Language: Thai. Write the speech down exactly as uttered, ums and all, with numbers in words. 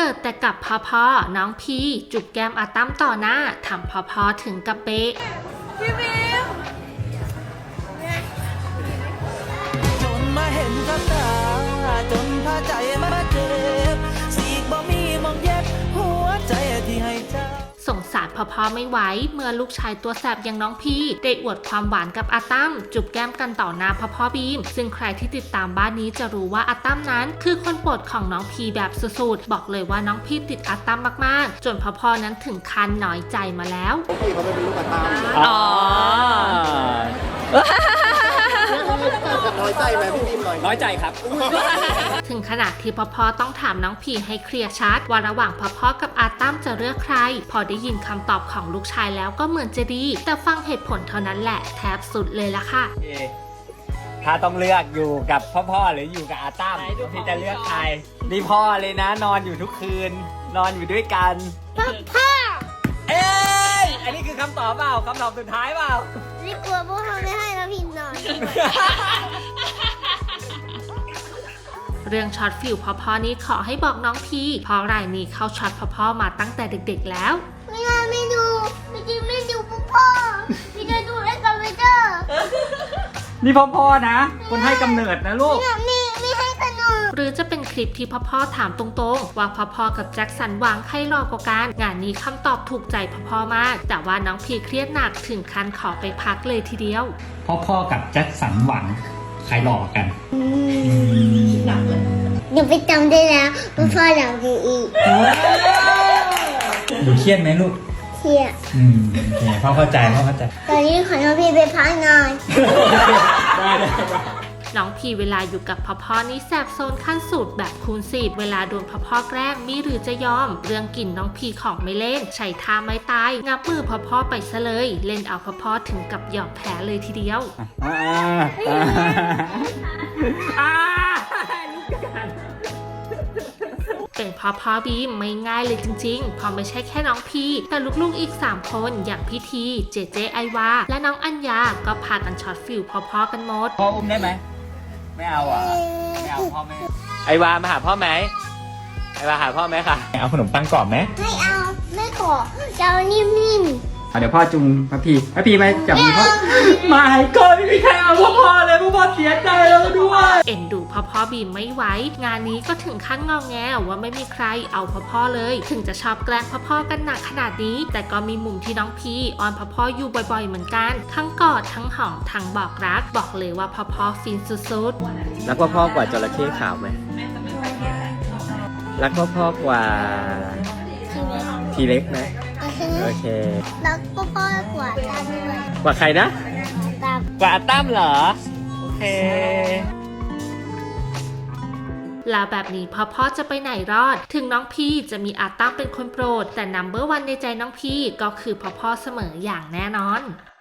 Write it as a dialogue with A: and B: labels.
A: ดแต่กับพอพอน้องพีจุบแก้มอาตั้มต่อหน้าทำพอพอถึงกับเป๊ะ
B: พี่บิม
C: จนมาเห็นกับตาจนพาใจมาเจ็บสีกบ่มีมองเย็บหัวใจที่ให้เจ้า
A: สงสารพ่อพ่อไม่ไหวเมื่อลูกชายตัวแสบอย่างน้องพีได้อวดความหวานกับอาตั้มจุบแก้มกันต่อหน้าพ่อพ่อบีมซึ่งใครที่ติดตามบ้านนี้จะรู้ว่าอาตั้มนั้นคือคนโปรดของน้องพีแบบสุดๆบอกเลยว่าน้องพีติดอาตั้มมากๆจนพ่อพ่อนั้นถึงขั้นน้อยใจมาแล้ว
D: พี่เขาเป็นลูกอาตั้ม
B: อ๋อ
D: น้อยใจไหมพี่บีมหน่อย
B: น้อยใจครับ
A: ถึงขนาดที่พ่อพ่อต้องถามน้องพีให้เคลียร์ชัดว่าระหว่างพ่อพ่อกับอาตั้มจะเลือกใครพอได้ยินคำตอบของลูกชายแล้วก็เหมือนจะดีแต่ฟังเหตุผลเท่านั้นแหละแทบสุดเลยละค่ะ
B: ถ้าต้องเลือกอยู่กับพ่อพ่อหรืออยู่กับอาตั้มพี่จะเลือกใครนี่พ่อเลยนะนอนอยู่ทุกคืนนอนอยู่ด้วยกัน
E: พ่อ
B: เอ้ยอันนี้คือคำตอบเปล่าคำตอบสุดท้ายเปล่า
E: นี่กลัวพวกเขาไม่ให้เราพิมพ์หน่อย
A: เรื่องช็อตฟิลพ่อพ่อนี้ขอให้บอกน้องพีเพราะรายนี้เข้าช็อตพ่อพ่อมาตั้งแต่เด็กๆแล้ว
E: ไม่เอาไม่ดูไม่จริงไม่ดูพ่อพ่อพี่จะดูได้กับไม่เจอ
B: นี่พ่อพ่อนะคนให้กำเนิดนะลูก
E: นี่ไม่ให้ขนม
A: หรือจะเป็นคลิปที่พ่อพ่อถามตรงๆว่าพ่อพ่อกับแจ็คสันหวังใครหล่อกว่ากันงานนี้คำตอบถูกใจพ่อพ่อมากแต่ว่าน้องพีเครียดหนักถึงขั้นขอไปพักเลยทีเดียว
B: พ่อพ่อกับแจ็คสันหวังใครหล่อกัน
E: หนักเลยหนูไปจำได้แล้วพ่อพ่อหลังดีอีก
B: ดูเครียดไหมลูก
E: เครียด
B: อืมโอเคพ่อเข้าใจพ่อเข้าใจ
E: ตอนนี้ขอน้องพี่ไปพักหน่อย
B: ได้ได้
A: น้องพีเวลาอยู่กับพ่อพ่อนี่แสบโซนขั้นสุดแบบคูณสิบเวลาโดนพ่อพ่อแกล้งมีหรือจะยอมเรื่องกินน้องพีของไม่เล่นใช้ท่าไม่ตายงับมือพ่อพ่อไปซะเลยเล่นเอาพ่อพ่อถึงกับยอมแพ้เลยทีเดียวเป็นพ่อพ่อบีมไม่ง่ายเลยจริงๆเพราะไม่ใช่แค่น้องพีแต่ลูกๆอีกสามคนอย่างพี่ทีเจเจไอวาและน้องอัญญาก็พากันช็อตฟิลพ่อๆกันหมด
B: พ่ออุ้มได้ไหมไม่เอาอ่ะไม่เอาพ่อไม่ไอวามาหาพ่อไหมไอวาหาพ่อไหมคะเอาขนมปังกรอบไหม
E: ไม่เอาไม่ขอจะเอานิ่มๆ
B: เดี๋ยวพ่อจุงพระพีพระพีไปจับมือพ่อไม่ก็ไม่มีใครเอาพ่อพ่อเลยพ่อพ่อเสียใจแล้วด้วย
A: เอ็นดูพ่อพ่อบีมไม่ไหวงานนี้ก็ถึงขั้นงอแงว่าไม่มีใครเอาพ่อพ่อเลยถึงจะชอบแกล้งพ่อพ่อกันหนักขนาดนี้แต่ก็มีมุมที่น้องพีออนพ่อพ่ออยู่บ่อยๆเหมือนกันทั้งกอดทั้งหอมทั้งบอกรักบอกเลยว่าพ่อพ่อฟินสุด
B: ๆรักพ่อพ่อกว่าจระเข้ขาวไหมรักพ่อพ่อกว่าทีเล็กไหมโอเค
E: รักพ่อพ่อกว่าตั้มด้วย
B: กว่าใครนะ
E: ตั้ม
B: กว่าตั้มเหรอโอเค
A: แล้วแบบนี้พ่อพ่อจะไปไหนรอดถึงน้องพี่จะมีอาตั้มเป็นคนโปรดแต่นัมเบอร์วันในใจน้องพี่ก็คือพ่อพ่อเสมออย่างแน่นอน